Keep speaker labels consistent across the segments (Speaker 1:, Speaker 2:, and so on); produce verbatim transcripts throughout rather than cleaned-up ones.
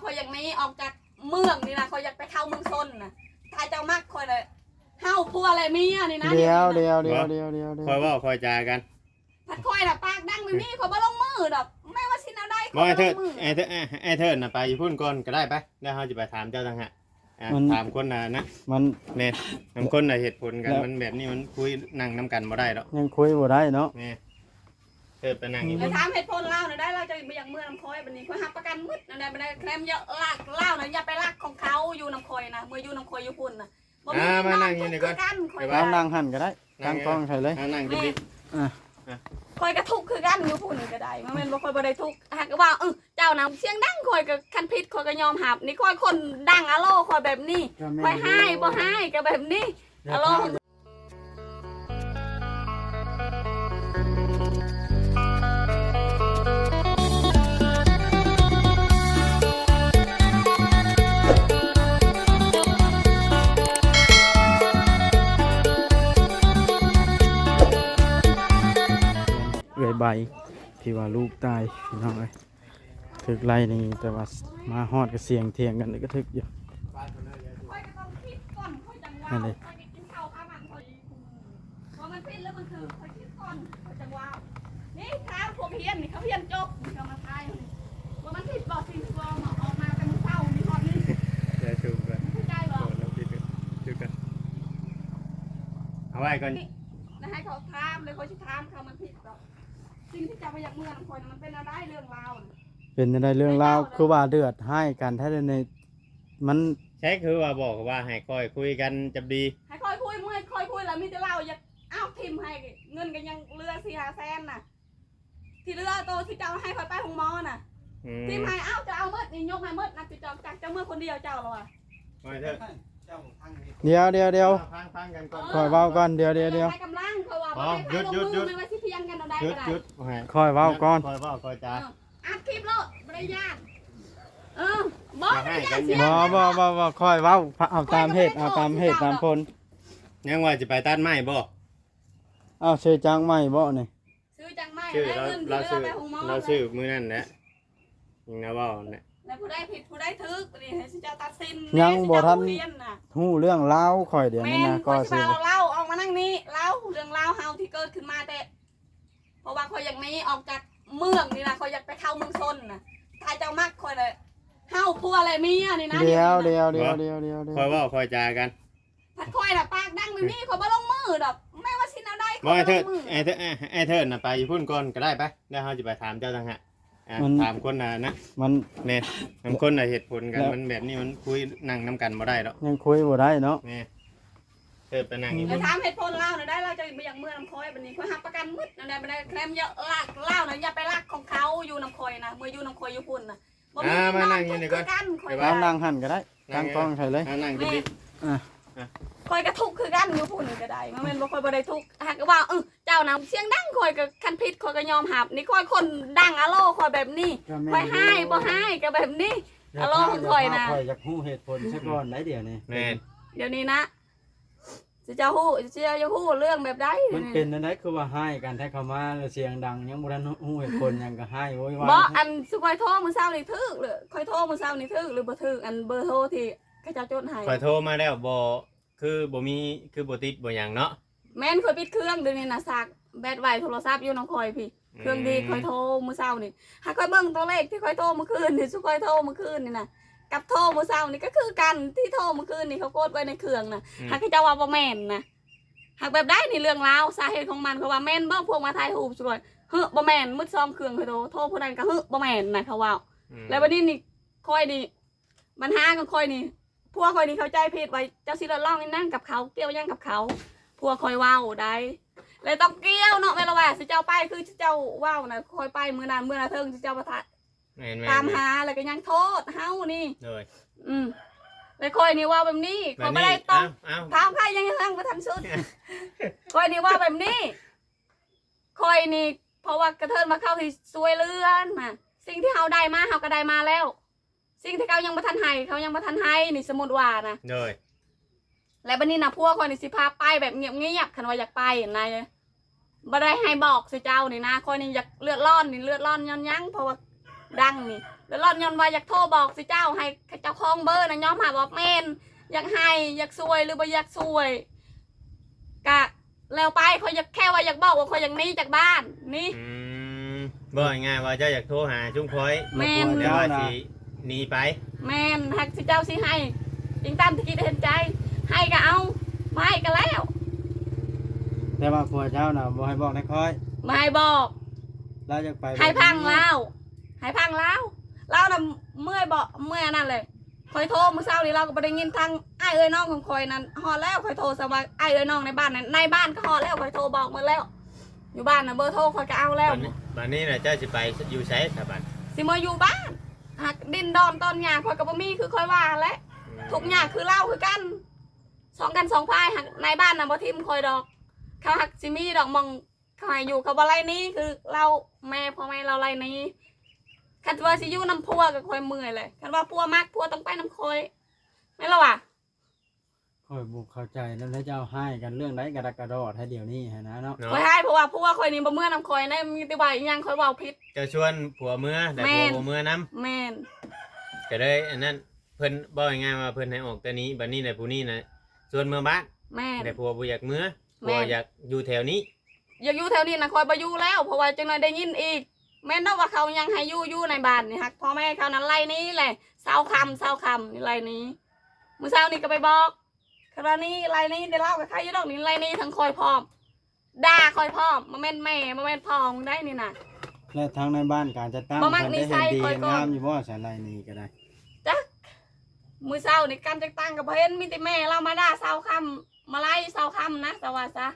Speaker 1: อยอยากนี้ออกจากเมืองนี่นะคอยอยากไปเข้าเมืองซนนะถ้าเจ้ามากคอยเลยเฮาพัวอะไรมีอ่ะนี่นะ
Speaker 2: เดียวเดียวเดียวเดียวเดียวเดียว
Speaker 3: คอยเว่าคอยจากัน
Speaker 1: พัดคอยน่ะปากดังแบบนี้คอยบ่ลงมือดอกแม่ว่าสิเอาได้
Speaker 3: บ่ไอ้เถิดไอ้เถิดไอ้เถิดน่ะไปอยู่พุ่นก่อนก็ได้ไปแล้วเราจะไปถามเจ้าต่างหากอ่ะถามคนน่ะนะ
Speaker 2: มัน
Speaker 3: แม่บางคนน่ะเหตุผลกันมันแบบนี้มันคุยนั่งนํกันบ่ได้ดอก
Speaker 2: ยังคุยบ่ได้เนาะ
Speaker 3: แม่เถิดไปนั่งอยู่
Speaker 1: ไปถามเหตุผลเล่าหน่อยได้เราจะไปอย่างเมืองน้ำคอยบัดนี้คอยหักประกันมืดนั่นได้บ่ได้แคลมเยอะลากเล่าน่ะอย่าไปลากของเขาอยู่น้ำคอยนะเมื่ออยู่น้ำคอยอยู่พุ่นน่ะบ่มีน้องคือกันคอย
Speaker 2: เอานั่งหันก็ได้ตั้งกล้องใส่เลย
Speaker 3: นั่งดิ
Speaker 2: อ่ะ
Speaker 1: คอยกระทุกคือกันอยู่พุ่นก็ได้มันเป็นบ่คอยบ่ได้ทุกหากว่าเออเจ้าน่ะเสียงดังคอยก็คันพิษคอยก็ยอมหับนี่คอยคนดังอะโลคอยแบบนี้คอยให้บ่ให้ก็แบบนี้อะโล
Speaker 2: เอื้อยใบที่ว่าลูกตายพี่น้องเอ้ยถึกไล่นี่แต่ว่ามาฮอดก็เสียงเถียงกันก็ถึกอยู่
Speaker 1: คอยก็ต้องคิดก่อนคอยจังว่าคอยกินข้าวข้าวมันคอยพอมันพิษแล้วมันคือคอยคิดก่อนคอยจังว่านี่ข้าวพวกเพี้ยนนี่เขาเพี้ยนจบนี่เขามาทายว่ามันพิษบ่สิ่งที่บ่ออกมาเป็นเศร้ามีฮอดนี่
Speaker 3: เดี๋ยวชูกัน
Speaker 1: เข้าใจบ่
Speaker 3: เราคิดกันชูกันเอาไว้ก่อน
Speaker 1: นะให้เขาถามเลยเขาสิถามเขามันผิดหรอกสิ่งที่จะไปอยากเมืองคนมันเป็นอะไรเรื่องราว
Speaker 2: เป็นอะไรเรื่องราวคือว่าเดือดให้กันถ้าในมัน
Speaker 3: ใช่คือว่าบอกว่าให้คอยคุยกันจะดี
Speaker 1: ให้คอยคุยเมื่อคอยคุยแล้วมีแต่เล่าอยากอ้าวทิมให้เงินกันยังเรือสี่ห้าแสนน่ะที่เรือโตที่เจ้าให้คอยไปหงมอน่ะทิมให้อ้าวจะเอาเมื่อนี่ยกให้เมื่อนะจะจอกจากเจ้าเมื่อคนเดียวเจ้าหรอวะ
Speaker 3: ไม่เถอะ
Speaker 2: เดียวเดียวเดียว
Speaker 3: ฟังฟังกันก่อน
Speaker 2: คอยเว้าก่อนเดียวเดียวเดียว
Speaker 1: ให้กำลังเขาว่าไม่ว่าสิเพียงกันเอาได้
Speaker 3: หยุด
Speaker 1: ก็ได้
Speaker 3: หยุด
Speaker 2: คอยเว้าก่อน
Speaker 3: คอยเว้าคอยจา
Speaker 1: อัดคลิปโลดบริยานเออบอกบริยานเสีย
Speaker 2: บ่บ่บ่บ่คอยเว้าเอาตามเหตุเอาตามเหตุตามผล
Speaker 3: ยังว่าจะไปตัดไม้บ่
Speaker 2: เอาเชยจังใหม่บ่นี่
Speaker 1: ซื้อจังไม่
Speaker 3: ชื่อ
Speaker 1: ได้
Speaker 3: เรา
Speaker 1: เงินที่
Speaker 3: เรา
Speaker 1: เรือ
Speaker 3: ชื่อ
Speaker 1: ไปหงมอ
Speaker 3: เราชื่อมือนั่นแหละยิงนะว่าเนี่ย
Speaker 1: แล้วผู้ได้ผิดผู้ได้ทึกนี่ให้สิเจ้าตัดสิน
Speaker 2: ยังบ่ทัน
Speaker 1: เรียนน่ะ
Speaker 2: ฮู้เรื่องราวข่อยเดี๋ยว
Speaker 1: แม่
Speaker 2: นี้
Speaker 1: น
Speaker 2: นะ
Speaker 1: ก็
Speaker 2: ก็
Speaker 1: สิ
Speaker 2: สิ
Speaker 1: มาเล่าออกมานั่งนี้เล่าเรื่องเล่าเฮาที่เกิดขึ้นมาแต่เพราะว่าคอยอยากนี้ออกจากเมืองนี่นะคอยอยากไปเข้าเมืองซนน่ะถ้าเจ้ามากคอยเลยเฮาพัวอะไรมีอ่ะนี่นะ
Speaker 2: เดียวเดียวเดียวเดียวเดียวเดียว
Speaker 3: คอยเว่าคอยจากัน
Speaker 1: พัดคอยน่ะปากดังแบบนี้คอยบ่ลงมือดอกแม่ว่าสิเอาได้
Speaker 3: บ่ไอ้เถิด
Speaker 1: มือ
Speaker 3: ไอ้เถิดไอ้เถิดน่ะไปอยู่พุ่นก่อนก็ได้ไปแล้วเราจะไปถามเจ้าต่างหากอ่ะถามคนน่ะนะ
Speaker 2: มัน
Speaker 3: แม่บางคนน่ะเหตุผลกันมันแบบนี้มันคุยนั่งนํกันบ่ได้ดอก
Speaker 2: ยังคุยบ่ได้เนาะ
Speaker 3: แม่เถิดไปนั่งอยู่
Speaker 1: ไปถามเหตุผลเล่าหน่อยได้เราจะไปอย่างเมืองน้ำคอยบัดนี้คอยหักประกันมืดนั่นได้บ่ได้แคลมเยอะลากเล่าน่ะอย่าไปลากของเขาอยู่น้ำคอยนะเมื่ออยู่น้ำคอยอยู่พุ่นน่ะบ่มีน้องคือกันคอย
Speaker 2: เอานั่งหันก็ได้ตั้งกล้องใส่เลย
Speaker 3: นั่งดิ
Speaker 2: อ่ะ
Speaker 1: คอยกระทุกคือกันอยู่พุ่นก็ได้มันเป็นบ่คอยบ่ได้ทุกหากว่าเออเจ้าน่ะเสียงดังคอยก็คันพิษคอยก็ยอมหับนี่คอยคนดังอะโลคอยแบบนี้คอยให้บ่ให้ก็แบบนี้อะโลของคอยนะ
Speaker 2: คอยอยากฮู้เหตุผลซะก่อนได้เดี๋ยวนี้
Speaker 3: แม่
Speaker 1: เดี๋ยวนี้นะสิเจ้าฮู้สิเจ้าจะฮู้เรื่องแบบใด
Speaker 2: มันเป็นอันนั้นคือว่าให้กันแท้เข้ามาแล้วเสียงดังยังบ่ทันฮู้เหตุผลหยังก็ให้โวยวาย
Speaker 1: บ่อันสุคอยโทรมื้อเช้านี่ถึกหรือคอยโทรมื้อเช้านี่ถึกหรือบ่ถึกอันเบอร์โทรที่เขาเจ้าจดให้
Speaker 3: คอยโทรมาแล้วบ่คือบ่มีคือบ่ติดบ่หยังเนาะ
Speaker 1: แม่นคอยปิดเครื่องเดี๋ยวนี้นะซักแบตไว้โทรศัพท์อยู่น้องคอยพี่เครื่องดีคอยโทรมื้อเช้านี่หากคอยเบิ่งตัวเลขที่คอยโทรเมื่อคืนนี่สุคอยโทรเมื่อคืนนี่นะกับโทรมื้อเช้านี่ก็คือกันที่โทรเมื่อคืนนี่เขาโกดไว้ในเครื่องน่ะหากเขาเจ้าว่าบ่แม่นนะหากแบบได้นี่เรื่องราวสาเหตุของมันเขาว่าแม่นบ่พวกมาถ่ายรูปสุคอยเฮ้อบ่แม่นมืดซ้อมเครื่องคอยโทรโทรผู้นั้นก็เฮ้อบ่แม่นนะเขาว่าแล้ววันนี้นี่คอยนี่ปัญหาของคอยนี่พวกคอยนี่เข้าใจผิดไว้เจ้าสิละล่องนี่นั่งกับเขาเกี่ยวยังกับเขาพวกคอยว้าวได้เลยต้องเกี่ยวเนาะเวลาว่าสิเจ้าไปคือเจ้าว้าวนะคอยไปมื้อนั้นมื้อนั้นเทิงสิเจ้าประทะตามหาแล้วก็ยังโทษเฮานี่
Speaker 3: เลย
Speaker 1: อืมเลยคอยนี่ว่าแบบนี้คอยไม่ได้ต้องถามใครยังยังบ่ทันสุดคอยนี่ว่าแบบนี้คอยนี่เพราะว่ากระเทินมาเข้าที่ซวยเลื่อนมาสิ่งที่เฮาได้มาเฮาก็ได้มาแล้วสิ่งที่เขายังบ่ทันให้เขายังบ่ทันให้นี่สมมุติว่านะ
Speaker 3: เลย
Speaker 1: และบัดนี้นะพวกคอยนี่สิพาไปแบบเงียบๆคันว่าอยากไปนายบ่ได้ให้บอกสิเจ้านี่นะคอยนี่อยากเลือดร้อนนี่เลือดร้อนย้อนยั้งเพราะว่าดังนี่แล้วรอนยนต์ว่าอยากโทรบอกสิเจ้าให้เจ้าของเบอร์นะย้อมหาบอกแม่นอยากให้อยากซวยหรือบ่อยากซวยกะแล้วไปเขาอยากแค่ว่าอยากบอกว่าเขาอยากหนีจากบ้านนี่
Speaker 3: อืมบอกง่ายๆว่าเจ้าอยากโทรหาชุมพล
Speaker 1: แม่น
Speaker 3: เดี๋ยวว่าสิหนีไป
Speaker 1: แม่นหักสิเจ้าสิให้จริงตามที่คิดเห็นใจให้ก็เอาไม่ให้ก็แล้ว
Speaker 2: แต่ว่าผัวเจ้าน่ะบ่ให้บอกนายคอย
Speaker 1: ไม่ให้บอก
Speaker 2: เราจะไป
Speaker 1: ให้พังเล่าให้พังเล่าเล่าน่ะเมื่อยบอกเมื่อยนั่นเลยคอยโทรมื้อเช้านี้เราก็บ่ได้ยินทางไอ้ายเอ้ยน้องของคอยนั้นฮอดแล้วคอยโทรสว่าไอ้ายเอ้ยน้องในบ้านนั้นในบ้านก็ฮอดแล้วคอยโทรบอกหมดแล้ว อยู่บ้านน่ะเบอร์โทรคอยก็เอาแล้ว
Speaker 3: บัดนี้บัดนี้น่ะเจ้าสิไปอยู่ไสครับบัด
Speaker 1: สิมาอยู่บ้านหักดินดอนตอนหญ้าคอยก็บ่มีคือคอยว่าแหละทุกหญ้าคือเล่าคือกันสองกันสองพายหักในบ้านน่ะบ่ทิ่มคอยดอกเขาหักสิมีดอกมองเขาให้อยู่เขาบ่ไล่หนี้คือเราแม่พ่อแม่เราไล่หนี้คันว่าสิอยู่น้ำพัวก็คอยเมื่อยเลยคันว่าพัวมักพัวต้องไปน้ำคอยแม่นล่ะวะ
Speaker 2: คอยบ่เข้าใจแล้วแล้วเจ้าให้กันเรื่องใดกระดักกระดอดให้เดี๋ยวนี้หั่นนะเนาะ
Speaker 3: เนาะ
Speaker 1: คอยให้เพราะว่าพัวคอยนี่บ่เมื่อน้ำคอยได้มีแต่ว่าอีหยังคอยเว้าผิด
Speaker 3: เจ้าชวนผัวเมื่อแต่
Speaker 1: แม่
Speaker 3: ผัวน บ่เมื่อนํ
Speaker 1: แม่น
Speaker 3: ก็เลยอันนั้นเพิ่นบอกง่ายๆว่าเพิ่นให้ออกแต่นี้บัดนี้น่ะผู้นี้น่ะชวนเมื่อบ้าน
Speaker 1: แม่น
Speaker 3: แต่ผัวบ่อยากเมื่อ
Speaker 1: แม่
Speaker 3: ผัวอยากอยู่แถวนี้
Speaker 1: อยากอยู่แถวนี้นะคอยบ่อยู่แล้วเพราะว่าจังได๋ได้ยินอีกแม่นเนาะว่าเขายังให้อยู่อยู่ในบ้านนี่ฮักพ่อแม่เขานั้นไล่หนี้แหละเช้าค่ำเช้าค่ำนี่ไล่หนี้มื้อเช้านี่ก็ไปบอกคราวนี้ไล่หนี้ได้เล่ากับใครอยู่ดอกนี่ไล่หนี้ทั้งคอยพร้อมด่าคอยพร้อมบ่แม่นแม่บ่แม่นพ่อมึงได้นี่น่ะ
Speaker 2: และทางในบ้านการจัดตั้ง
Speaker 1: บ่มัก
Speaker 2: เพิ่น
Speaker 1: นิ
Speaker 2: ได้
Speaker 1: สั
Speaker 2: เห็น
Speaker 1: ย
Speaker 2: ดี
Speaker 1: คอย
Speaker 2: เห็น
Speaker 1: ก่อน
Speaker 2: งามอยู่บ่สาไรนี้ก็ได้
Speaker 1: จักมื้อเช้านี่การจัดตั้งก็บ่เห็นมีแต่แม่เรามาด่าเช้าค่ำมาไล่เช้าค่ำนะแต่ว่าซะ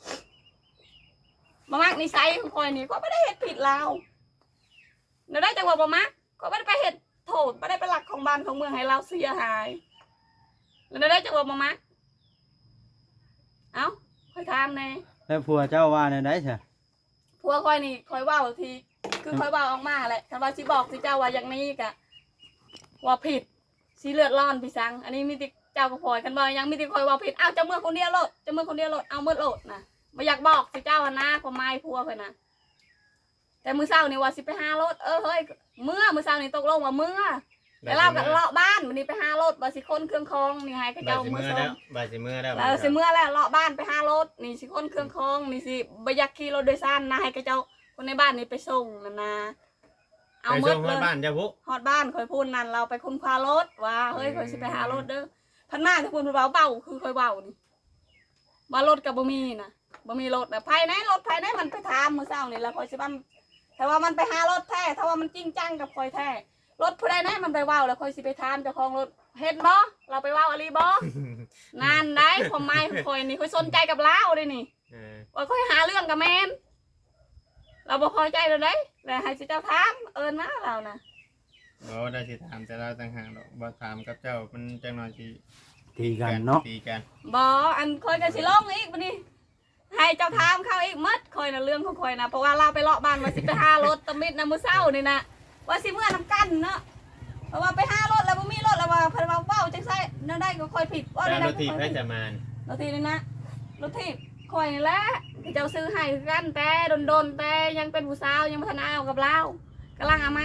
Speaker 1: บ่มักนิสัยของคอยนี่ก็บ่ได้เฮ็ดผิดแล้วเดี๋ยวได้จังว่าบ่มักก็บ่ได้ไปเฮ็ดโทษบ่ได้ไปหลักของบ้านของเมืองให้เราเสียหายแล้วเดี๋ยวได้จังว่าบ่มักเอ้าค่อยถามแน่
Speaker 2: แล้วผัวเจ้าว่าในใดซะ
Speaker 1: ผัวคอยนี่คอยเว้าทีคือคอยเว้าออกมาแหละคันว่าสิบอกสิเจ้าว่าอย่างนี้ก็ว่าผิดสิเลือดร้อนพี่สังอันนี้มีแต่เจ้าก็พลอยกันบ่ยังมีแต่คอยเว่าผิดเอ้าเจ้าเมื่อคนเดียวโลดเจ้าเมื่อคนเดียวโลดเอาเมื่อโลดนะบ่อยากบอกสิเจ้าหั่นนะความหมายผัวเพิ่นน่ะแต่มื้อเช้านี่ว่าสิไปหารถเออเฮ้ยเมื่อมื้อเช้านี่ตกลงว่าเมื่อแต่เราก็เลาะบ้านวันนี้ไปหารถว่าสิคนเครื่องคองนี่ให้เขา
Speaker 3: บา
Speaker 1: เจ้า
Speaker 3: สิ
Speaker 1: มื้อ
Speaker 3: เมื่อ
Speaker 1: ส่
Speaker 3: แล้ว
Speaker 1: ง
Speaker 3: บาสิเมื่อแล้ว
Speaker 1: แล้วสิเมื่อแล้วเลาะบ้านไปหารถนี่สิคนเครื่องคองนี่สิบ่อยากขี่รถโดยสารนะให้เขาเจ้าคนในบ้านนี่ไปส่งนั่นนะเอา
Speaker 3: ไป
Speaker 1: หมื
Speaker 3: ส่
Speaker 1: ด
Speaker 3: ง
Speaker 1: เล
Speaker 3: ฮอด
Speaker 1: ย
Speaker 3: บ้านเจ้าพุ
Speaker 1: ฮอดบ้านคอยพูดนั่นเราไปคุณพารถว่าเฮ้ยคอยสิไปหารถเด้อพันมาถ้าพูดเบาเบาคือคอยเบานี่ว่ารถกับบ่มีนะบ่มีรถนะภายในรถภายในมันไปถามมื้อเช้านี่แล้วคอยสิบ้าแต่ว่ามันไปหารถแท้ถ้าว่ามันจริงจังกับคอยแท้รถผู้ใดแน่มันไปเว้าแล้วคอยสิไปถามเจ้าของรถเห็นบ่เราไปเว้าอะไรบ่นั่นได้ความหมายของคอยนี่คอยสนใจกับเราเด้นี่
Speaker 3: เออ
Speaker 1: ว่าคอยหาเรื่องกับแม่นเราบ่พอใจเลยเด้แล้วให้สิเจ้าถามเอิ้นมาเรานะ
Speaker 3: บ่ได้สิถามแต่เราต่างหากดอกบ่ถามกับเจ้ามันจังหน่อยสิ
Speaker 2: ตีกันเนาะ
Speaker 3: ตีกัน
Speaker 1: บออันคอยกันสิลงอีกบัดนี้ให้เจ้าทามเข้าอีกมัดคอยนะเรื่องของคอยนะเพราะว่าเราไปเลาะบ้านว่าสิไปหารถตะมิดนะมื้อเช้านี่นะว่าสิเมื่อนำกันเนาะเพราะว่าไปหารถแล้วบ่มีรถแล้วว่าเพิ่นว่าเว้าจังไสนั่นได้ก็คอยผิดว่า
Speaker 3: แต่
Speaker 1: ได้
Speaker 3: รถถีบให้จะมาน
Speaker 1: รถทีนี่นะรถทีบคอยนี่แหละที่เจ้าซื้อให้คือกันแต่โดนๆแต่ยังเป็นผู้สาวยังบ่ทันเอากับเรากำลังเอามา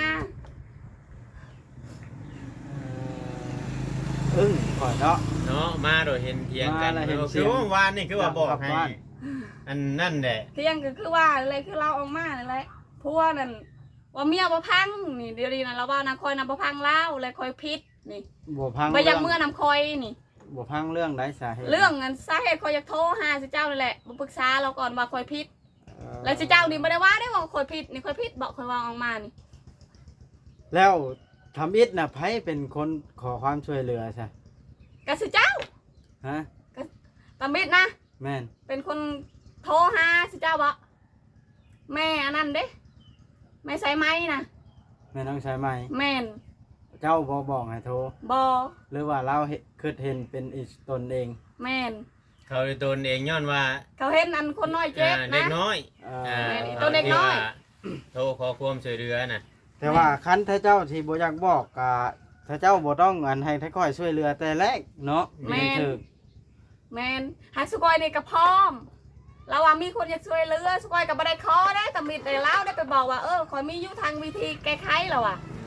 Speaker 2: อึ้งก่อนเนาะ
Speaker 3: เนาะมาโดยเห็นเถียงกัน
Speaker 2: มาแล้วเห็น
Speaker 3: เออ
Speaker 2: เสี
Speaker 3: คื
Speaker 2: ย
Speaker 3: อง เมื่อวานนี่คือว่าบอกให้
Speaker 2: กลับบ้าน
Speaker 3: อันนั่นแหละ
Speaker 1: เที่ยงก็คือว่าอะไรคือเราออกมานั่นแหละพวกนั่นว่าเมียบ่พังนี่เดี๋ยวนี้นะเราว่านะคอยนะบ่พังเล่าเลยคอยพิษนี่
Speaker 2: บ่พัง
Speaker 1: ไปยังเมื่อนำคอยนี่
Speaker 2: บ่พังเรื่องใดสาเหตุ
Speaker 1: เรื่องเงินสาเหตุคอยอยากโทรหาสิเจ้านี่แหละมาปรึกษาเราก่อนว่าคอยพิษ
Speaker 2: เอ่อ
Speaker 1: แล้วสิเจ้านี่ไม่ได้ว่าได้ว่าคอยพิษนี่คอยพิษบอกคอยว่าออกมานี่
Speaker 2: แล้วทำอิฐน่ะไผเป็นคนขอความช่วยเหลือใช่
Speaker 1: กะสิเจ้า
Speaker 2: ฮะ
Speaker 1: ตามิดนะ
Speaker 2: แม่น
Speaker 1: เป็นคนโทรหาสิเจ้าบอกแม่อันนั้นเด้แม่ใส่ไม้นะ
Speaker 2: แม่น้องชายใหม่
Speaker 1: แม่น
Speaker 2: เจ้าบ่บอกให้โทร
Speaker 1: บอ
Speaker 2: หรือว่าเราเห็นคิดเห็นเป็นอิสตนเอง
Speaker 1: แม่น
Speaker 3: เขาโดนเองย้อนว่า
Speaker 1: เขาเห็นอันคนน้อยเจ็บ
Speaker 3: อ่าเด็ก
Speaker 1: นะ
Speaker 3: น้อย
Speaker 2: เอ่อ
Speaker 3: อ่า
Speaker 1: แม่นี่ตัวเด็กน้อย
Speaker 3: โทรขอความช่วยเหลือน่ะ
Speaker 2: แต่ว่าคันถ้าเจ้าที่บ่อยากบอกก็ถ้าเจ้าบ่ต้องอันให้ถ้าค่อยช่วยเหลือแต่แรกเนาะ
Speaker 1: แม่น
Speaker 2: ถึก
Speaker 1: แมนฮักสกอยนี่กับพร้อมเราว่ามีคนอยากช่วยเหลือสกอยกับบัไดคอได้แต่มีแต่เล่าได้ไปบอกว่าเออคอยมีอยู่ทางวิธีแก้ไขแล้วอ่ะ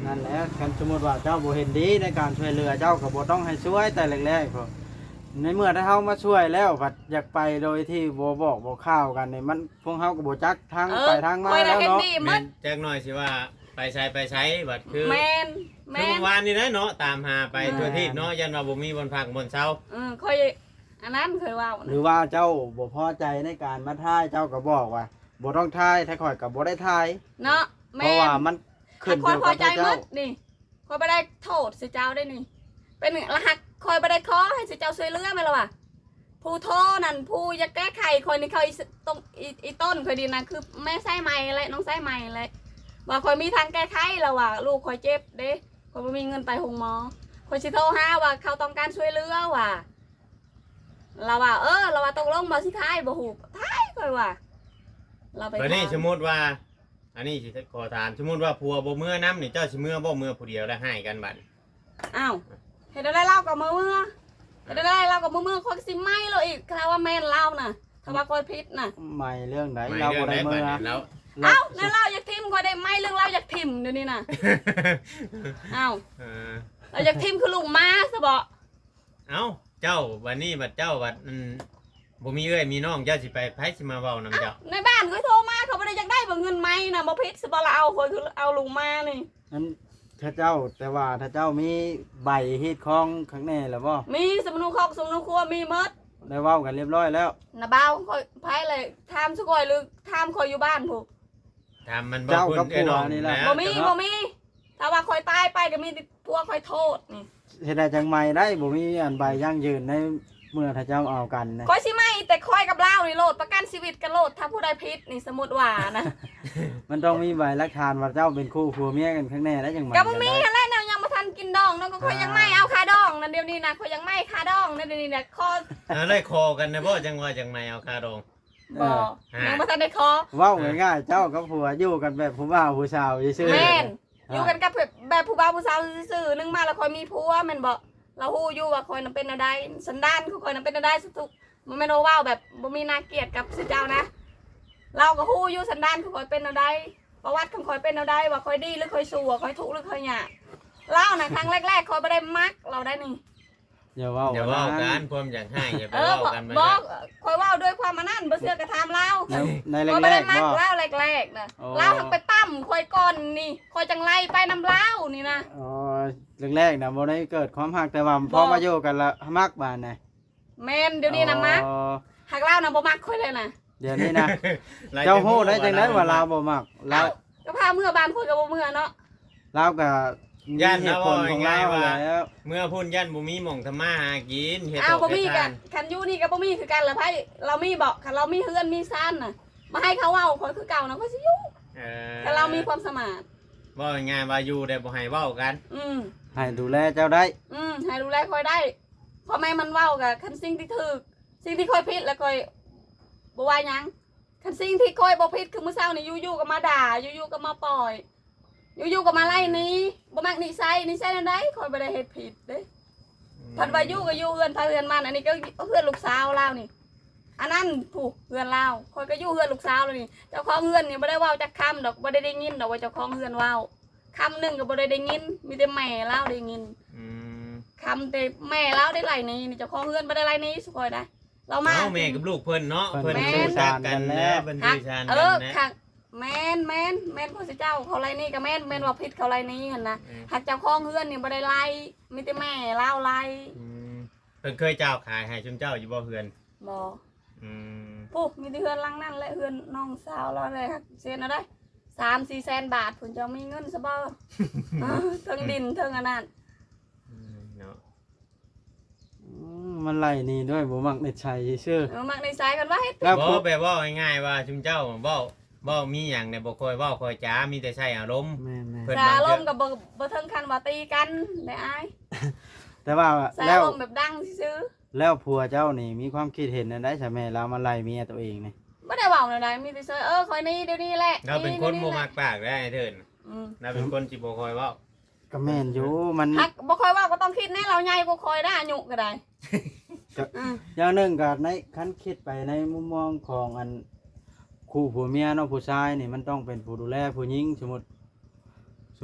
Speaker 2: นั่นแหละกันสมมุติว่าเจ้าบ่เห็นดีในการช่วยเหลือเจ้าก็บ่ต้องให้ช่วยแต่แรกๆพอในเมื่อถ้าเฮามาช่วยแล้วบัดอยากไปโดยที่บ่บอกบ่ข่าวกันนี่มันพวกเฮาก็บ่จักทาง
Speaker 1: เอ
Speaker 2: ไป
Speaker 1: อ
Speaker 2: ทางมา
Speaker 1: คอยได้
Speaker 2: แล้ว
Speaker 1: เห็น
Speaker 2: เนาะ
Speaker 1: ดีหม
Speaker 3: แม่
Speaker 1: ด
Speaker 3: นจักหน่อยสิว่าไปใช้ไปใช้บัดคือ
Speaker 1: แม่น
Speaker 3: คือ
Speaker 1: แม่น
Speaker 3: เมื่อวานนี่นะเนาะตามหาไปทั่วทิศเนาะยันว่าบ่มีบนพักบนเช้า
Speaker 1: เออคอยอันนั้นเคยว่า
Speaker 2: หรือว่าเจ้าบ่พอใจในการมาถ่ายเจ้าก็บอกว่าบ่ต้องถ่ายถ้าข่อยก็บ่ได้ถ่าย
Speaker 1: เนาะ
Speaker 2: เพ
Speaker 1: แม่
Speaker 2: ราะว่าน มันขึ้น
Speaker 1: ค
Speaker 2: อ
Speaker 1: อย
Speaker 2: ยู่
Speaker 1: พอ
Speaker 2: กับ
Speaker 1: ใจหม
Speaker 2: เจ้า
Speaker 1: ดนี่คอยไปได้โทษสิเจ้าได้นี่ เป็นรหัสคอยไปได้ขอให้สิเจ้าช่วยเหลือไหมล่ะวะผู้โทษนั่นผู้อยากแก้ไขคอยนี่คอยตรงอีอีต้นคอยดีนะคือแม่ไส้ใหม่เลยน้องไส้ใหม่เลยว่าคอยมีทางแก้ไขแล้วว่ะลูกคอยเจ็บเด้คอยไม่มีเงินไปหงหมอคอยสิโทรหาว่าเขาต้องการช่วยเหลือว่ะเราว่าเออเราว่าตกลงมาสิท้ายบ่หูท้ายคอยว่าเราไป
Speaker 3: บัดนี้
Speaker 1: ถาม
Speaker 3: สมมุติว่า อันนี้สิขอถามสมมุติว่าผัวบ่เมื่อน้ำนี่เจ้าสิเมื่อบ่เมื่อผู้เดียวแล้วให้กันบัด
Speaker 1: อ้าวเห็นได้เล่ากับมือมือเห็นได้เล่ากับมือมือคอยสิไม่เราอีกคาว่าแม่นเล่าน่ะคาว่าคอยพิษน่ะ
Speaker 2: ใหม่เรื่องไหน
Speaker 3: ไม่
Speaker 2: เรา
Speaker 3: เรื่อ
Speaker 2: บ่
Speaker 3: งไหน
Speaker 2: ได้
Speaker 3: บั
Speaker 2: เมื่
Speaker 3: ด
Speaker 2: อ
Speaker 3: นี้แล้ว
Speaker 1: เอ้านั่นเล่าอยากทิมคอยได้ไม่เรื่องเล่าอยากทิมเดี๋ยวนี้น่ะอ้าว
Speaker 3: เออ
Speaker 1: เราอยากทิมคือลุงมาซะบ่
Speaker 3: เอ้าเจ้าวันนี้บัดเจ้าบัดอืมบ่มีเอ้ยมีน้องเจ้าสิไปไผสิมาเว้านำเจ้า
Speaker 1: ในบ้านเขาโทรมาเขาไม่ได้อยากได้บ่เงินไหมน่ะบ่พิษสบ่ละเอาคอยคือเอาลุงมานี่
Speaker 2: นั้นถ้าเจ้าแต่ว่าถ้าเจ้ามีใบฮีดคองข้างในแล้วบ่
Speaker 1: มีสมุนคอกสมุนครัวมีหมด
Speaker 2: ได้เว้ากันเรียบร้อยแล้ว
Speaker 1: น่ะบ่าวคอยไผเลยถามสุกอยหรือถามคอยอยู่บ้านผู้
Speaker 3: ถามมันบ่
Speaker 2: เจ้า
Speaker 3: คุณ
Speaker 2: กับ
Speaker 3: เอ้ย
Speaker 2: ผัว
Speaker 3: น้อง
Speaker 2: นี่แหละ
Speaker 3: นะ
Speaker 1: บ่มีบ่มีถ้าว่าคอยตายไปก็มีแต่พวกคอยโทษนี่
Speaker 2: เฮ็ดได้จังใหม่ได้บ่มีอันใบยั่งยืนในเมื่อถ้าเจ้าเอากันนะ
Speaker 1: คอยสิไม่แต่คอยกับเล่านี่โลดประกันชีวิตกันโลดถ้าผู้ใดพิษนี่สมมุติว่านะ
Speaker 2: มันต้องมีใบหลักฐานว่าเจ้าเป็นคู่ผัวเมียกันข้างในแล้วจังใหม่
Speaker 1: ก็บ่มีอะไรเนาะยังบ่ทันกินดองเนาะก็คอยยังไม่เอาคาดองนั่นเดี๋ยวนี้นะคอยยังไม่คาดองนั่นเดี๋ยวนี้นะคอ
Speaker 3: เออได้คอกันนะบ่จังว่าจังไม่เอาคาดอง
Speaker 1: บ่ยังบ่ทันได้คอ
Speaker 2: เว้าง่ายๆเจ้ากับผัวอยู่กันแบบผู้บ่าวผู้สาวซื่อๆ
Speaker 1: แม่นอยู่กันกับแบบแบบผู้บ่าวผู้สาวซื่อๆนึงมาแล้วคอยมีผัวแม่นบ่เราฮู้อยู่ว่าคอยนำเป็นอะไรสันดานของคอยนำเป็นอะไรสุดๆมันแม่นว่าว้าวแบบบ่มีนาเกลียดกับสิเจ้านะ เราก็ฮู้อยู่สันดานของคอยเป็นอะไรประวัติของคอยเป็นอะไรว่าคอยดีหรือคอยชั่วคอยถูกหรือคอยหยาบเล่านะครั้งแรกๆคอยบ่ได้มักเราได้นี่
Speaker 2: อย่าเว้า
Speaker 3: อย่าเว่า
Speaker 2: นะ
Speaker 3: กันความอยากให้อย่าไป
Speaker 1: เออ
Speaker 3: เว่า
Speaker 1: บอก
Speaker 3: กันไป
Speaker 1: บอกคอยเว่าด้วยความมานั่นบ่เชื่อกระทำเล่า
Speaker 2: ในใน
Speaker 1: คอย
Speaker 2: แร
Speaker 1: บ่ได้
Speaker 2: ก
Speaker 1: มั
Speaker 2: ๆ
Speaker 1: ก
Speaker 2: บ่
Speaker 1: เล่าแรกๆนะ
Speaker 2: อ๋อ
Speaker 1: เล่าทั้งไปตั้มคอยก่อนนี่คอยจังไล่ไปนำเล่านี่นะ
Speaker 2: อ๋อแรกๆน่ะบ่ได้เกิดความฮักแต่ว่าพอมาอยู่กันและมักบานน่ะ
Speaker 1: แม่นเดี๋ยวนี้นะมัก
Speaker 2: อ๋อ
Speaker 1: หักเล่านะบ่มักคอยเลยนะ
Speaker 2: เดี๋ยวนี้นะ
Speaker 3: หลย
Speaker 2: เจ้าฮู้ได้จังได๋
Speaker 3: เ
Speaker 2: ว่าลาวบ่มักลา
Speaker 1: เอ้าว ก็พาเมื่อบานคอยกับบ่เมื่อเนาะ
Speaker 2: ลาวก็มี
Speaker 3: ย่าน
Speaker 2: เห
Speaker 3: นะ
Speaker 2: ตุผ
Speaker 3: ว่า
Speaker 2: ลของ
Speaker 3: ง่า
Speaker 2: ลา
Speaker 3: ยว ว่า
Speaker 2: แล้ว
Speaker 3: เมื่อพุ่นย่านบ่มีหม่องทำมาหากินเฮ็ด
Speaker 1: อ้าว
Speaker 3: ต
Speaker 1: บ่
Speaker 3: ก
Speaker 1: มี
Speaker 3: เฮ็ด
Speaker 1: กั
Speaker 3: ทาน น
Speaker 1: คันอยู่นี่ก็บ่มีคือกันละไผเรามีบอกคันเรามีเฮือนมีซ่านน่ะมาให้เขาเว้าคอยคือเก่านะคอยสิอยู่
Speaker 3: เออ
Speaker 1: แต่เรามีความสมาน
Speaker 3: เว่าง่ายๆว่าอยู่ได้บ่ให้เว้ากัน
Speaker 1: อืม
Speaker 2: ให้ดูแลเจ้าได้
Speaker 1: อืมให้ดูแลคอยได้พ่อแม่มันเว้ากับคันสิ่งที่ถูกสิ่งที่คอยผิดแล้วคอยบ่ว่าหยังคันสิ่งที่คอยบ่ผิดคือมื้อเช้านี่อยู่ๆก็มาด่าอยู่ๆก็มาปล่อยอยู่ๆก็มาไล่หนี้บ่มักนิสัยนิสัยนั่นใดคอยบ่ได้เฮ็ดผิดเด้พันว่าอยู่ก็อยู่เฮือนพาเฮือนมันอันนี้ก็เฮือนลูกสาวลาวนี่อันนั้นผู้เฮือนลาวคอยก็อยู่เฮือนลูกสาวแล้วนี่เจ้าของเฮือนนี่บ่ได้เว้าจักคำดอกบ่ได้ได้ยินดอกว่าเจ้าของเฮือนเว้าคำหนึงก็บ่ได้ได้ยินมีแต่แม่ลาวได้ยิน
Speaker 3: อืม
Speaker 1: คำแต่แม่เล่าได้ไรนี้นี่เจ้าของเงินไม่ได้ไรนี้สุกอยได้เรามา
Speaker 3: เอ้าแม่กับลูกเพิ่นเนาะ
Speaker 2: เพิ่
Speaker 3: เพิ่
Speaker 2: น
Speaker 3: น
Speaker 1: แม่
Speaker 3: รู้จักกันแล้วเพิ่น
Speaker 1: ฮั
Speaker 3: ดู
Speaker 1: ก
Speaker 3: ชาน
Speaker 1: เอ
Speaker 3: กัน
Speaker 1: อ
Speaker 3: นะ
Speaker 1: ค่ะแมนแมนแมนพ่อเจ้าเขาไรนี่กับแมนแมนว่าพิษเขาไรนี้เห็นนะหักเจ้าของเงินนี่ไม่ได้ไรมีแต่แม่เล่าไร
Speaker 3: อืมเพิ่นเคยเจ้าขายให้ชุมเจ้าอยู่บ่เฮือน
Speaker 1: บอ
Speaker 3: อืม
Speaker 1: ปุ๊บมีแต่เฮือนหลังนั่นและเฮือนน้องสาวเราเลยค่ะเสียนะได้สามสี่แสนบาทผุนจะมีเงินซะบ่เออเทิงดินเทิงอันนั้น
Speaker 3: อืมเนาะ
Speaker 2: อืมมันไล่นี่ด้วยบ่มักเด็ดชัยซื่อ
Speaker 1: เออมักในสายกันว่าเฮ็ด
Speaker 2: แล้ว
Speaker 3: บ่
Speaker 2: ผู้
Speaker 3: แปลว่าง่ายๆว่าชุมเจ้าเว้าเว้ามีหยังเนี่ยบ่ค่อยเว้าค่อยจ้ามีแต่ใช้อารมณ์
Speaker 2: แม่น
Speaker 3: เพิ่น
Speaker 1: สาลมกับบ่บ่เทิงคันว่าตีกันได้อาย
Speaker 2: ๆแต่ว่า
Speaker 1: สา
Speaker 2: แล้ว
Speaker 1: ลมแบบดังซื้อ
Speaker 2: แล้วผัวเจ้านี่มีความคิดเห็นอันใดใช่ไหมเรามาไล่เมียตัวเองนี่
Speaker 1: ไม่ได้บอกเลยนะมีแต่เซอเออคอยนี้เดี๋ยวนี้แหละ
Speaker 3: เราเป็นคนบ่มักปากได้ไอ้เถิน
Speaker 1: อืม
Speaker 3: เราเป็นคนสิบ่ค่อยเว้า
Speaker 2: ก็แม่นอยู่มัน
Speaker 1: ฮักบ่คอยว่าก็ต้องคิดแน่เราใหญ่ก็คอยได้อายุก็ได้อืม
Speaker 2: อย่างหนึงก็ในคันคิดไปในมุมมองของอันคู่ผัวเมียเนาะผู้ชายนี่มันต้องเป็นผู้ดูแลผู้หญิงสมมุติสมมุติ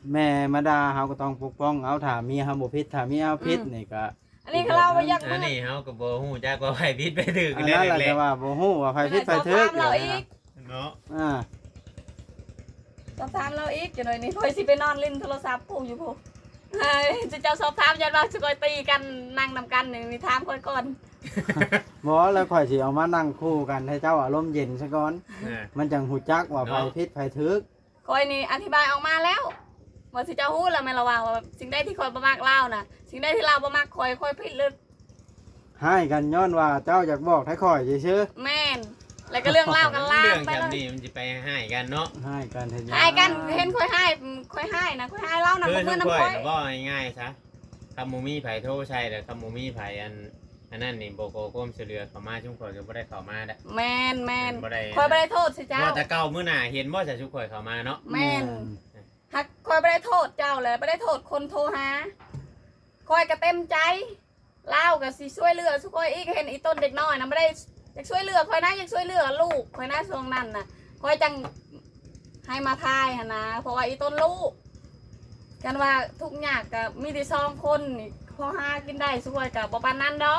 Speaker 2: แม่มาด่าเฮาก็ต้องปกป้องเอาถ้าเมียเฮาบ่ผิดถ้าเมียเฮาผิดนี่ก็
Speaker 1: อันนี้คือเราไปยัก
Speaker 3: อั
Speaker 1: มื
Speaker 3: น
Speaker 1: อ
Speaker 3: นี้เฮาก็บ่ฮู้จักว่าไผผิดไปถูก
Speaker 2: อัน
Speaker 3: แล้
Speaker 2: นั้
Speaker 3: วน
Speaker 2: แหละ
Speaker 3: แร
Speaker 2: แต่
Speaker 3: ก
Speaker 2: ว่าบ่ฮู้ว่าไผผิดไผถูก
Speaker 1: เราอีก
Speaker 3: ๆเนาะ
Speaker 2: อ่า
Speaker 1: สอบถามเราอีกจังหน่อยนี่คอยสิไปนอนเล่นโทรศัพท์ผู้อยู่ผู้เฮ้ยจะเจ้าสอบถามยันว่าสิคอยตีกันนั่งนำกันนี่มีถามคอยก่อน
Speaker 2: บ่แล้วข่อยสิเอามานั่งคู่กันให้เจ้าอารมณ์เย็นซะก่อน
Speaker 3: อ่า
Speaker 2: มันจังฮู้จักว่าไผผิดไผถูก
Speaker 1: คอยนี่อธิบายออกมาแล้วว่าสิเจ้าฮู้แล้วแม่นละว่าว่าสิ่งใดที่คอยบ่มักเล่าน่ะสิ่งใดที่เราบ่มักคอยคอยผิดลึก
Speaker 2: ให้กันย้อนว่าเจ้าอยากบอกให้ข่อยซื่อ
Speaker 1: แม่นแล้วก็เรื่องเล่ากันล่า
Speaker 3: เรื่อง
Speaker 1: ไป
Speaker 3: แบ
Speaker 1: เล
Speaker 3: บ
Speaker 1: ย
Speaker 3: นี้มันสิไปให้กันเนาะ
Speaker 2: ๆให้กันเฮ็ดหยัง
Speaker 1: ให้กันเห็นคอยให้คอยให้นะคอยให้เล่านะ
Speaker 3: คือ
Speaker 1: เพื่
Speaker 3: ทุ
Speaker 1: อน
Speaker 3: ก
Speaker 1: น้ำ
Speaker 3: ค
Speaker 1: คอย
Speaker 3: นว่าง่ายๆซะคำมูมีไผโทรใช่แต่คำมูมีไผอันอันนั้นนี่โบโกโก้มเสือเข้ามาชุ่มข่อยก็บ่ได้เข้ามาได้
Speaker 1: แม่นแม่น
Speaker 3: บ่ได้
Speaker 1: คอยบ่ได้โทษสิเจ้า
Speaker 3: ว่าแต่เก่ามื้อหน้าเห็นบ่จะชุกข่อยเข้ามาเนาะ
Speaker 1: แม่นหักคอยไม่ได้โทษเจ้าเลยไม่ได้โทษคนโทรหาคอยก็เต็มใจเล่ากับสิช่วยเหลือสุกอยอีกเห็นอีต้นเด็กน้อยนะไม่ได้อยากช่วยเหลือคอยนะอยากช่วยเหลือลูกคอยนะช่วงนั้นนะคอยจังให้มาทายหนนะเพราะว่าอีต้นลูกกันว่าทุกอย่างกับมีแต่สองคนนี่พอหากินได้สุกอยกับบ่ปานนั้นดอก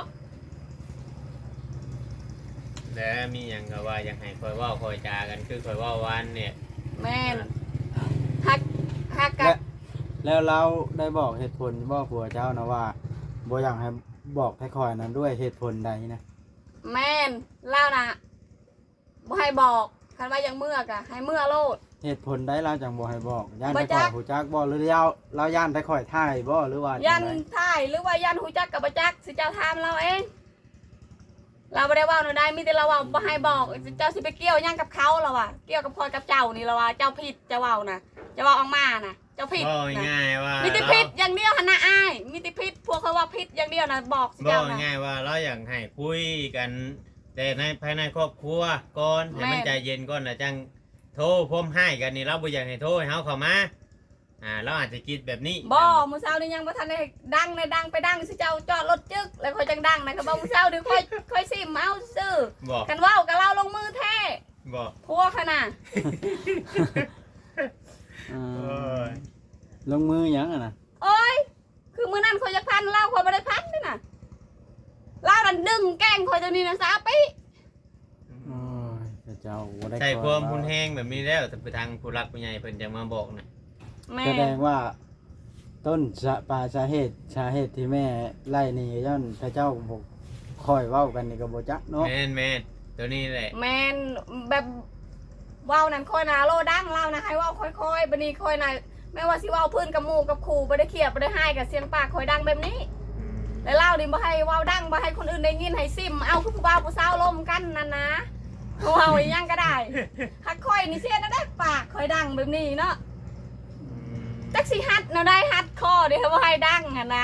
Speaker 3: แล้วมีหยังก็ว่าอยากให้ข่อยเว้าข่อยจากันคือข่อยเว้าวันเนี่ย
Speaker 1: แม่นฮักฮักกั
Speaker 2: และ
Speaker 1: บ
Speaker 2: แล้วเราได้บอกเหตุผลบ่ผัวเจ้านะว่าบ่อยากให้บอกให้ข่อยนั้นด้วยเหตุผลใดนะ
Speaker 1: แม่นเล่านะบ่ให้บอกคันว่ายังเมื่อกะให้เมื่อโลด
Speaker 2: เหตุผลใดเราจังบ่ให้บอกย่าน
Speaker 1: บ่
Speaker 2: ให้
Speaker 1: จั
Speaker 2: ข่อก ยฮู้จักบ่หรือเราเราย่านให้ข่อยท่ายบ่หรือว่า
Speaker 1: ยั
Speaker 2: จั
Speaker 1: น
Speaker 2: งได
Speaker 1: ท่ายหรือว่ายันหูจักกับประจักสิเจ้าทามเราเอง เราไม่ได้เว่าหนูได้มีแต่เราเว่าบ่ให้บอกเจ้าสิไปเกี่ยวหยังกับเขาเราอะเกี่ยวกับคอยกับเจ้านี่เราว่าเจ้าผิดเจ้าเว่านะเจ้าเว่าออกมานะเจ้าผิด
Speaker 3: บ่
Speaker 1: นะ
Speaker 3: ง่ายว่า
Speaker 1: มีแต่
Speaker 3: เรา
Speaker 1: ผิดอย่างเดียวหนนะอ้ายมีแต่ผิดพวกเขาว่าผิดอย่างเดียวนะบอกสิ
Speaker 3: บ่
Speaker 1: เจ้านะ
Speaker 3: ง่ายว่าเราอยากให้คุยกัน แต่ในภายในครอบครัวก่อนให้มัน
Speaker 1: แม่น
Speaker 3: ใจเย็นก่อนนะจังโทรพร้อมให้กันนี่เราบ่อยากให้โทรให้เฮาเข้ามาอ่าเราอาจจะคิดแบบนี้
Speaker 1: บ่มื้อเช้านี่ยังบ่ทันได้ดังในดังไปดังสิเจ้าจอดรถจึกแล้วคอยจังดังนะก็บอกมื้อเช้าเดี๋ยวค่อยค่อยสิมาเอาซื้อ
Speaker 3: บ่
Speaker 1: กันเว้ากับเราลงมือแท้
Speaker 3: บ่
Speaker 1: พวกขนาด
Speaker 2: เอ
Speaker 3: โอ้
Speaker 2: อย ลงมือหยังอ่ะนะ
Speaker 1: โอ้ย คือมือนั่นคอยจะพันเล่าคอยไม่ได้พันด้วยนะเล่าดันดึงแกล้งคอยตัวนี้นะสาปิ
Speaker 2: โอ้ยแต่เจ้าบ่ได้
Speaker 3: ใช่
Speaker 2: ขอ
Speaker 3: ความพุนแห้งแบบนี้แล้วแต่ไปทางผู้รักผู้ใหญ่เพิ่นจะมาบอกนะ
Speaker 1: แม่
Speaker 2: แสดงว่า ต้นสะปลายสาเหตุสาเหตุที่แม่ไล่หนี่ย้อนพระเจ้าบ่คอยเว้ากันนี่ก็บ่จักเนาะ
Speaker 3: แม่นแม่นตัวนี้แหละ
Speaker 1: แมนแบบว่าวนั่นคอยนะโลดังเล่านะให้ว่าวค่อยๆบันนี้คอยนะไม่ว่าสิว่าวพื้นกับหมูกับขู่ไม่ได้เขียบไม่ได้ให้กับเสียงปากคอยดังแบบนี้
Speaker 3: อืม
Speaker 1: แล้วเล่าดิบ่ให้ว่าวดังบ่ให้คนอื่นได้ยินให้ซิมเอาคือผู้บ่าวผู้สาวลมกันนั่นนะว่าวอีหยังก็ได้ฮักคอยนี่เสียนะได้ปากคอยดังแบบนี้เนาะ
Speaker 3: อืม
Speaker 1: จักสิฮัดเนาะได้ฮัดคอเดี๋ยวบ่ให้ดังอ่ะนะ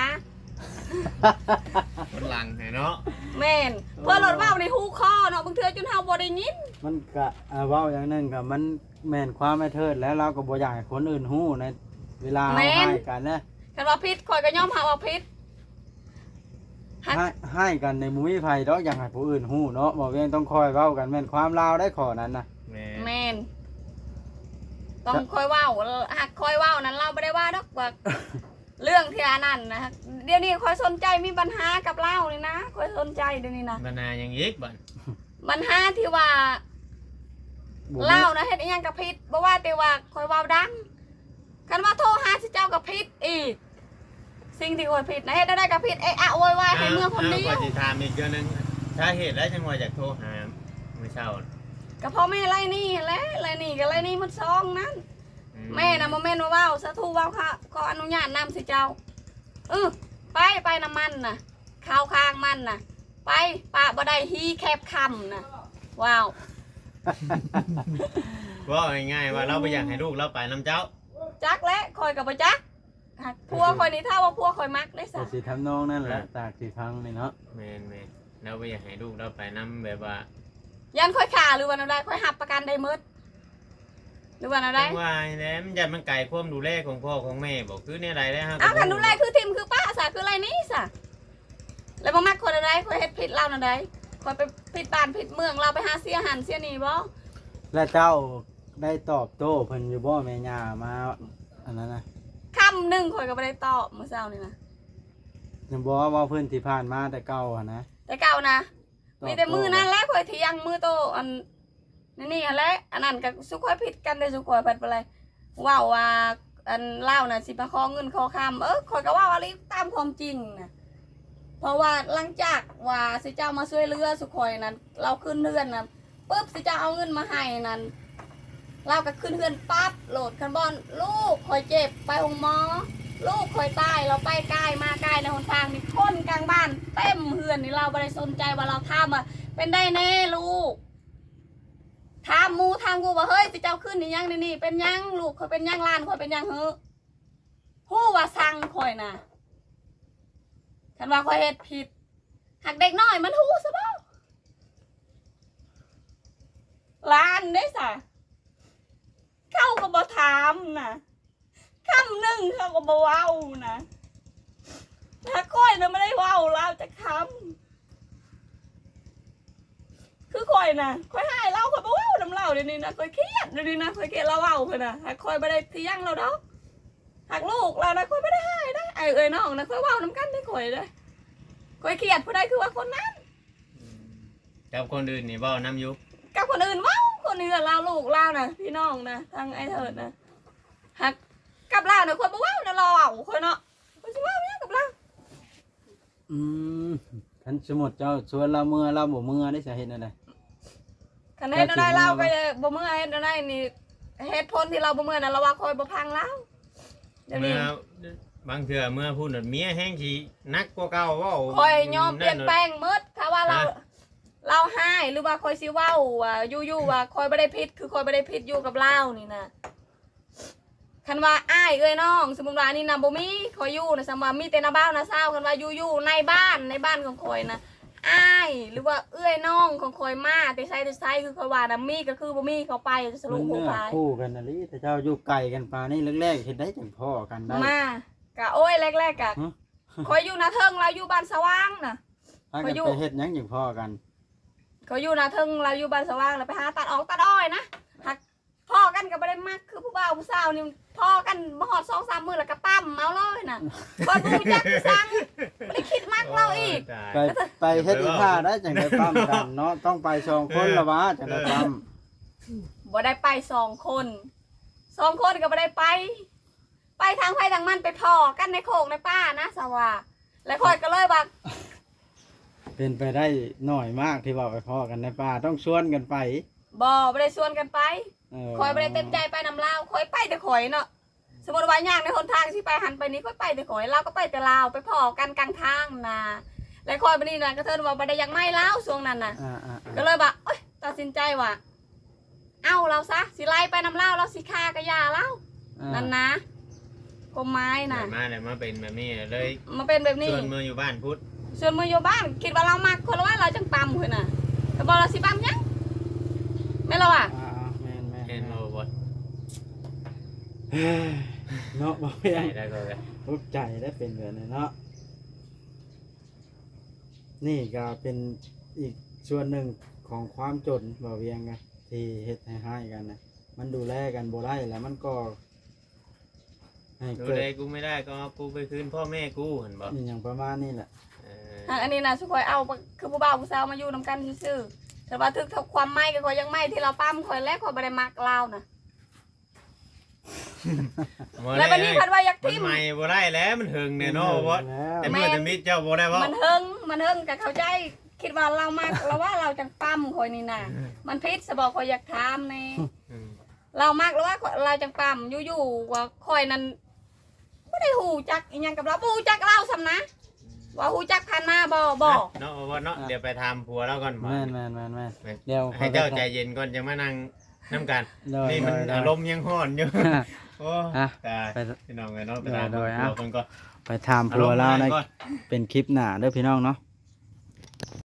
Speaker 3: คนหลังให้เนาะ
Speaker 1: แม่นเพื่อลดว่าวในหูคอเนาะบางเทื่อจนเฮาบ่ได้ยิน
Speaker 2: มันก็อ่าเว้าอย่างหนึงก็มันแม่นความไม่เทิดแล้วเราก็บ่อยากให้คนอื่นฮู้ในเวลาเราให้กันนะ
Speaker 1: คันว่าผิดข่อยก็ยอมหาว่าผิด ฮัก
Speaker 2: ให้ให้กันในมุ้ยไผดอกอยากให้ผู้อื่นฮู้เนาะบ่เวียงต้องคอยเว้ากันแม่นความลาวได้ขอนั้นนะ
Speaker 3: แม่น
Speaker 1: แม่นต้องคอยเว้าหักคอยเว้านั้นเราบ่ได้ว่าดอกว่า เรื่องที่อันนั้นนะเดี๋ยวนี้คอยสนใจมีปัญหากับเล่านี่นะคอยสนใจเดี๋ยวนี้นะ
Speaker 3: บรรณายังอีกบ่น
Speaker 1: ปัญหาที่ว่า
Speaker 2: บ่
Speaker 1: เล่านะเฮ็ดอีหยังกับผิดบ่ว่าแต่ว่าคอยเว้าดังคันว่าโทรหาสิเจ้ากับผิดอีก สิ่งที่คอยผิดนะเฮ็ดได้กับผิดเอะอะโวยวายให้เมื่อคนเดี
Speaker 3: าว
Speaker 1: ยว
Speaker 3: ก็สิถามอีกเรื่องหนึงสาเหตุแล้วจังว่าอยากโทรหามื้อเช้าน่ะ
Speaker 1: ก็พ่อแม่ไล่หนี่แหละไล่หนี่ก็ไล่หนี่มันซองนั้น
Speaker 3: อื
Speaker 1: แม่นะโมเมนต์ว่าเว้าสาธุเว้าค่ะขออนุญาตนำสิเจ้าเออไปไปน้ำมันน่ะข้าวข้างมันน่ะ ไปปะบ่ได้ฮีแคบคำน่ะว้าว
Speaker 3: ว่าง่ายๆว่าเราบ่อยากให้ลูกเราไปนํเจ้า
Speaker 1: จักและคอยกับบ่จักหักพัวคอยนี่ถ้าว่าพัวคอยมักได้
Speaker 2: ก็
Speaker 1: สั
Speaker 2: สิทำนองนั่นแหละจากที่ฟังนี่เนาะ
Speaker 3: แม่นแม่นเราบ่อยากให้ลูกเราไปนํแบบว่า
Speaker 1: ยันคอยขาหรือว่าอะไรคอยหับประกันได้หมืดหรือว่าอะไร
Speaker 3: จังว่าแหล้วมันจะมันไกลความดูแลของพ่อของแม่บ่คือแนวใดแล้วฮะ
Speaker 1: อ้าวคันดูแลคือทิมคือป้าสะคืออะไรนี่สะแล้วบ่มักคนอะไรคอยเฮ็ดผิดเรานั่นใดคอยไปผิดบ้านผิดเมืองเราไปหาเสียหันเสียนี่บ่
Speaker 2: และเจ้าได้ตอบโต้เพิ่นอยู่บ่แม่ย่ามาอันนั้นนะ
Speaker 1: คำหนึงข่อยก็บ่ได้ตอบมื้อเช้านี่นะ
Speaker 2: ยังบอกว่าเพื่อนที่ผ่านมาแต่เก่าอะนะ
Speaker 1: แต่เก่านะ
Speaker 2: ตอบ
Speaker 1: มีแต่มือ
Speaker 2: โต้
Speaker 1: นั่นแหละข่อยเที่ยงมือโตอันนี่นี่อันแหละอันนั้นก็สุข่อยผิดกันได้สุข่อยผัดไปเลยว้าวว่าอันเล่าน่ะสิมาขอเงินขอคำเออข่อยก็ว่าอะไรตามความจริงนะเพราะว่าหลังจากว่าสิเจ้ามาช่วยเหลือสุข่อยนั้นเราขึ้นเรือนนะปุ๊บสิเจ้าเอาเงินมาให้นั้นเราก็ขึ้นเรือนปั๊บโหลดคันบอนลูกข่อยเจ็บไปโรงหมอลูกข่อยตายเราไปใกล้มาใกล้ในหนทางนี่คนกลางบ้านเต็มเฮือนนี่เราไม่ได้สนใจว่าเราทำอ่ะเป็นได้แน่ลูกถามหมูทางกูว่าเฮ้ยสิเจ้าขึ้นนี่ยังนี่นี่เป็นยังลูกข่อยเป็นยังล้านข่อยเป็นยังเฮ้อฮู้ว่าสั่งข่อยน่ะคันว่าข่อยเฮ็ดผิดหักเด็กน้อยมันฮู้ซะบ่ล้านเด้ซะเขาก็บ่ถามน่ะคำหนึ่งเขาก็บ่เว้านะถ้าก้อยนะไม่ได้เว้าเราจะคำคือก้อยนะก้อยให้เราก้อยบ่เว้าน้ำเราเดี๋ยวนี้นะก้อยเครียดเดี๋ยวนี้นะก้อยเครียดเราเว้าเพิ่นน่ะหากก้อยไม่ได้เที่ยงเราดอกหากลูกเรานะก้อยไม่ได้ให้นะไอ้เอ้ยน้องนะก้อยเว้าน้ำกันได้ก้อยเลยก้อยเครียดผู้ใดคือว่าคนนั้น
Speaker 3: กับคนอื่นนี่เว้านํอยู่
Speaker 1: กับคนอื่นเว้าคนอื่นเราลูกเรานะพี่น้องนะทางไอ้เถิดนะหากกับเราเนี่ยคนบ่เว้านะเราเว้าคนเนาะคนสิเว้าเนี่ยกับเรา
Speaker 2: อืมคันสมมุติเจ้าชวนเราเมื่อเราบ่เมื่อได้สาเหตุอะไร
Speaker 1: คันเฮ็ดอะไรเราก็บ่เมื่อเฮ็ดอะไรนี่เหตุผลที่เราบ่เมื่อน่ะเราว่าคอยบ่พังแล้วเดี๋ยว
Speaker 3: เมื่
Speaker 1: นี้
Speaker 3: อบางเทื่อเมื่อพูดน่ะเมียแห้งสินักกว่าเก่าเว้า
Speaker 1: คอยยอมเปลี่ยนแปลงหมดถ้าว่าเราเราให้หรือว่าคอยสิเว้าว่าอยู่ๆว่าคอยบ่ได้ผิดคือคอยบ่ได้ผิดอยู่กับเรานี่นะคันว่าอ้ายเอ้ยน้องสมมุติว่านี่นะบ่มีคอยอยู่นะสมมุติว่ามีแต่นาบ้าวนาซาวคันว่าอยู่ๆในบ้านในบ้านของคอยนะอ้ายหรือว่าเอื้อยน้องของคอยมาแต่ใช้แต่ใช้คือคอยว่านะมีก็คือบ่มีเขาไปส
Speaker 2: มั
Speaker 1: รุ
Speaker 2: น
Speaker 1: ปหัว
Speaker 2: เนื้อ
Speaker 1: พาย
Speaker 2: คู่กันนะลิแต่เจ้าอยู่ไกลกันปานนี่แรกๆเฮ็ดได้จังพ่อกันได้
Speaker 1: มากะโอ้ยแรกๆกะ
Speaker 2: ฮะ
Speaker 1: คอยอยู่นาเทิงเราอยู่บ้านสว่างน่ะ
Speaker 2: พา
Speaker 1: ข
Speaker 2: กั
Speaker 1: อน อยู่
Speaker 2: ไปเฮ็ดหยังจังพ่อกัน
Speaker 1: เขาอยู่นาเทิงเราอยู่บ้านสว่างเราไปหาตัดออกตัดอ้อยนะหักพ่อกันก็บ่ได้มักคือผู้บ่าวผู้สาวนี่พ่อกันบ่ฮอดสองสามมื้อแล้วก็ปั้มเอาเลยน่ะบ่รู้จักสั่งบ่ได้คิดมักเราอีก
Speaker 3: โยตาย
Speaker 2: ไปไปเฮ็ดอีท่าได้จังได้ปั้มกันเนาะต้องไปสองคนละวะจังได้ปั้ม
Speaker 1: บ่ได้ไปสองคนสองคนก็บ่ได้ไป ไปทางไผทางมันไปพ่อกันในโคกในป่านะสว่าแล้วค่อยก็เลยว่า
Speaker 2: เป็นไปได้หน่อยมากที่ว่าไปพ่อกันในป่าต้องชวนกันไป
Speaker 1: บ่บ่ได้ชวนกันไป
Speaker 2: เ
Speaker 1: คอยบ่ได้เต็มใจไปนำลาวคอยไปแต่ข่อยเนาะสมมุติว่าย่างในหนทางสิไปหันไปนี้ก็ไปแต่ข่อยลาวก็ไปแต่ลาวไปพ่อกันกลางทางนะแล้วคอยไปนี่น่ะก็เทินว่าบ่ได้อยากไม่ลาวช่วงนั้นน่ะ
Speaker 2: อ่าอ่าอ่า
Speaker 1: ก็เลยว่าเอ้ยตัดสินใจว่าเอาเราซะสิไล่ไปนำลาวเราสิฆ่ากะยาเรา
Speaker 2: อ่า
Speaker 1: นั่นนะกฎหมายน่ะ
Speaker 3: ได้มาเลยมาเป็นแบบนี้เลย
Speaker 1: มาเป็นแบบนี้
Speaker 3: ส่วนมืออยู่บ้านพุทธ
Speaker 1: ส่วนมืออยู่บ้านคิดว่าเรามักคนละว่าเราจังปั๊มเพิ่นน่ะก็บ่เราสิปั๊มหยังแม่นเราอ่ะ
Speaker 2: อ่าอ่าแม่นแม่น
Speaker 3: เห็น
Speaker 2: แม่
Speaker 3: โอ้
Speaker 2: น
Speaker 3: บ่
Speaker 2: เฮ้ยเนาะบ่เพียง
Speaker 3: ได้ก็เลย
Speaker 2: ทุกใจได้เป็นแบบนี้เนาะนี่ก็เป็นอีกส่วนหนึ่งของความจนบ่เวียงกันที่เฮ็ดให้ให้กันนะมันดูแลกันบ่ได้แล้วมันก็ให้
Speaker 3: ดู
Speaker 2: เกิด
Speaker 3: แลกูไม่ได้ก็เอากูไปคืนพ่อแม่กูเห็นบ่
Speaker 2: อหย่างประมาณนี้แหละ
Speaker 3: เออ
Speaker 1: อ่ะอันนี้น่ะสุข่อยเอาคือผู้บ่าวผู้สาวมาอยู่นํกันซื่อๆแต่ว่าถึกถ้าความไม่ก็ข่อยยังไม่ที่เราปั๊มข่อยแล้วข่อยบ่ได้มักลาวน่ะ แล้ววันนี้พัดว่าอยาก
Speaker 3: มัน
Speaker 1: ทิม
Speaker 3: ใหม่บ่ได้แล้วมันหึงแน่เนาะบ่
Speaker 2: แล้ว
Speaker 3: แต่เมื่อจะมีเจ้าบ่ได้บ่
Speaker 1: มันเฮิงมันเฮิงกับเขาใจคิดว่าเรามากเราว่าเราจังปั๊มคอยนี่นะมันพิษสบอกคอยอยากถามแน่
Speaker 3: อืม
Speaker 1: เรามากแล้วว่าเราจังปั๊มอยู่ๆว่าคอยนั้นไม่ได้หูจักอีหยังกับเราบ่หูจักเราซ้ำนะว่าหูจักผ่านมาบ่บ่
Speaker 3: เนาะบ่เนาะเดี๋ยวไปถามผัวเราก่อนบ่
Speaker 2: แม่นแม่นแม่นแม่น
Speaker 3: แม่น
Speaker 2: เดี๋ยว
Speaker 3: ให้เจ้าใจเย็นก่อนจะมานั่งน้ำกัน
Speaker 2: โดย
Speaker 3: นี่มัน
Speaker 2: โดยโดย
Speaker 3: อารมณ์ยังร้อนอยู่ โอ้
Speaker 2: อ่ะ
Speaker 3: ตาย
Speaker 2: ไป
Speaker 3: พี่น้องไงเนาะไปถาม
Speaker 2: โดยโดย
Speaker 3: ผัว
Speaker 2: อ่ะ
Speaker 3: คนก็
Speaker 2: ไปถามผัวเราใน
Speaker 3: อารมณ์ร้อนก่อน
Speaker 2: เป็นคลิปหน้าเด้อพี่น้องเนาะ